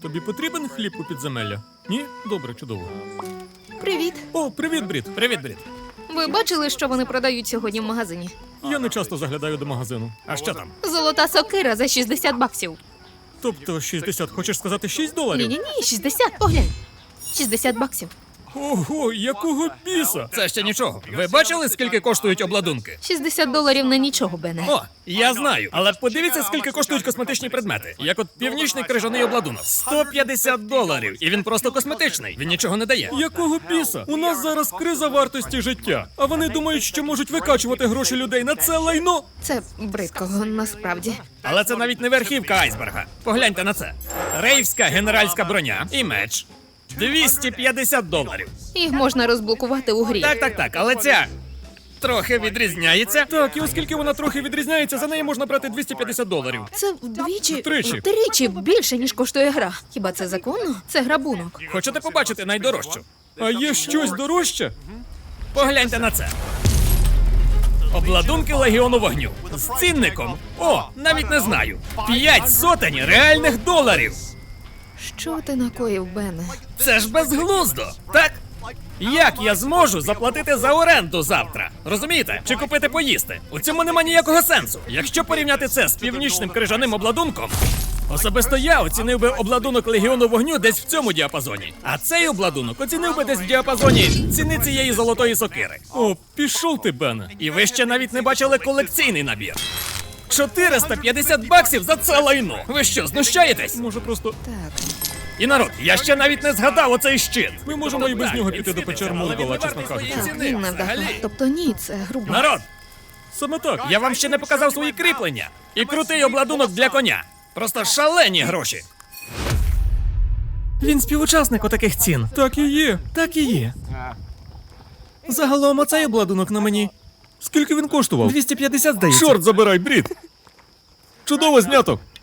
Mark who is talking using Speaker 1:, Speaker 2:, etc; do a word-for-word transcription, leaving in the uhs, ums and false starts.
Speaker 1: Тобі потрібен хліб у підземелля? Ні? Добре, чудово.
Speaker 2: Привіт.
Speaker 1: О, привіт, Брід. Привіт, Брід.
Speaker 2: Ви бачили, що вони продають сьогодні в магазині?
Speaker 1: Я не часто заглядаю до магазину. А що там?
Speaker 2: Золота сокира за шістдесят баксів.
Speaker 1: Тобто шістдесят, хочеш сказати шість доларів?
Speaker 2: Ні-ні-ні, шістдесят, поглянь. шістдесят баксів.
Speaker 1: Ого, якого біса?
Speaker 3: Це ще нічого. Ви бачили, скільки коштують обладунки?
Speaker 2: шістдесят доларів на нічого, Бене.
Speaker 3: О, я знаю. Але подивіться, скільки коштують косметичні предмети. Як от північний крижаний обладунок. сто п'ятдесят доларів. І він просто косметичний. Він нічого не дає.
Speaker 1: Якого біса? У нас зараз криза вартості життя. А вони думають, що можуть викачувати гроші людей на це лайно?
Speaker 2: Це бридко, насправді.
Speaker 3: Але це навіть не верхівка айсберга. Погляньте на це. Рейвська генеральська броня і меч. двісті п'ятдесят доларів.
Speaker 2: Їх можна розблокувати у грі.
Speaker 3: Так, так, так, але ця трохи відрізняється.
Speaker 1: Так, і оскільки вона трохи відрізняється, за неї можна брати двісті п'ятдесят доларів.
Speaker 2: Це вдвічі,
Speaker 1: Втричі.
Speaker 2: втричі більше, ніж коштує гра. Хіба це законно? Це грабунок.
Speaker 3: Хочете побачити найдорожчу?
Speaker 1: А є щось дорожче?
Speaker 3: Погляньте на це. Обладунки Легіону Вогню. З цінником. О, навіть не знаю. П'ять сотень реальних доларів.
Speaker 2: Що ти накоїв, Бене?
Speaker 3: Це ж безглуздо, так? Як я зможу заплатити за оренду завтра? Розумієте? Чи купити поїсти? У цьому нема ніякого сенсу. Якщо порівняти це з північним крижаним обладунком, особисто я оцінив би обладунок Легіону Вогню десь в цьому діапазоні. А цей обладунок оцінив би десь в діапазоні ціни цієї золотої сокири.
Speaker 1: О, пішов ти, Бене.
Speaker 3: І ви ще навіть не бачили колекційний набір. чотириста п'ятдесят баксів за це лайно. Ви що, знущаєтесь?
Speaker 1: Може просто...
Speaker 2: Так.
Speaker 3: І народ, я ще навіть не згадав оцей щит.
Speaker 1: Ми можемо і без
Speaker 3: Так,
Speaker 1: нього
Speaker 3: він
Speaker 1: піти до
Speaker 3: ціниться,
Speaker 1: печер
Speaker 3: але він
Speaker 1: Мургола,
Speaker 3: не
Speaker 1: чесно
Speaker 3: вартий
Speaker 1: кажучи.
Speaker 3: своєї
Speaker 2: Так,
Speaker 3: ціни
Speaker 2: він не вдахав.
Speaker 3: взагалі.
Speaker 2: Тобто ні, це грубо.
Speaker 3: Народ,
Speaker 1: Саме так.
Speaker 3: я вам ще не показав свої кріплення. І крутий обладунок для коня. Просто шалені гроші. Він співучасник отаких цін.
Speaker 1: Так і є.
Speaker 3: Так і є. Загалом оцей обладунок на мені
Speaker 1: Скільки він коштував?
Speaker 3: двісті п'ятдесят, здається.
Speaker 1: Чорт забирай, Брід! Чудово знято!